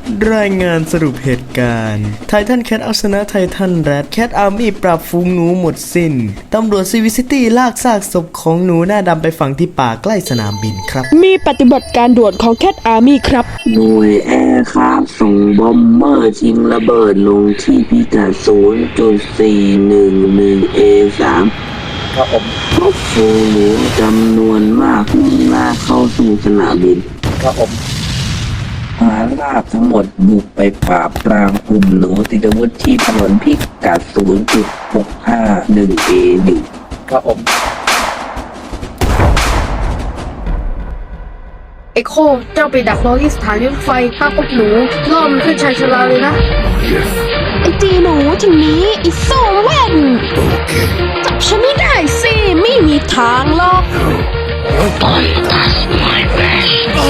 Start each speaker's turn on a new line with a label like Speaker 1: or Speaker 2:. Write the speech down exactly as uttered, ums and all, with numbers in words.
Speaker 1: รายงานสรุปเหตุการณ์ไททันแคทเอาชนะไททันแรดแคทอาร์มี่ปราบฝูงหนูหมดสิน้นตำรวจซีวิซิตี้ลากซากศพของหนูหน้าดำไปฝังที่ป่าใกล้สนามบินครับ
Speaker 2: มีปฏิบัติการด่วนของแคทอาร์มี่ครับ
Speaker 3: หน่วยแอร์คราฟส่งบอมเมอร์ชิงระเบิดลงที่พิกัด ศูนย์จุดสี่หนึ่งหนึ่ง เอ สาม
Speaker 1: ครับผม
Speaker 3: พบฝูงหนูจำนวนมากมุ่งหน้าเข้าสู่สนามบิน
Speaker 1: ครับผม
Speaker 3: ทหารราบทั้งหมดบุกไปปราบปรามกลุ่มหนูติดอาวุธที่ถนนพิกัด ศูนย์จุดหกห้าหนึ่ง เอ หนึ่ง
Speaker 1: ครับผม
Speaker 4: ไอโคเจ้าไปดักรอที่สถานีรถไฟถ้าพบหนูล่อมันขึ้นชายชราเลยนะ
Speaker 2: ไอจีหนูทีนี้ไอโซเว่นจับฉันไม่ได้สิไม่มีทางหรอก
Speaker 5: Boy, that's my best.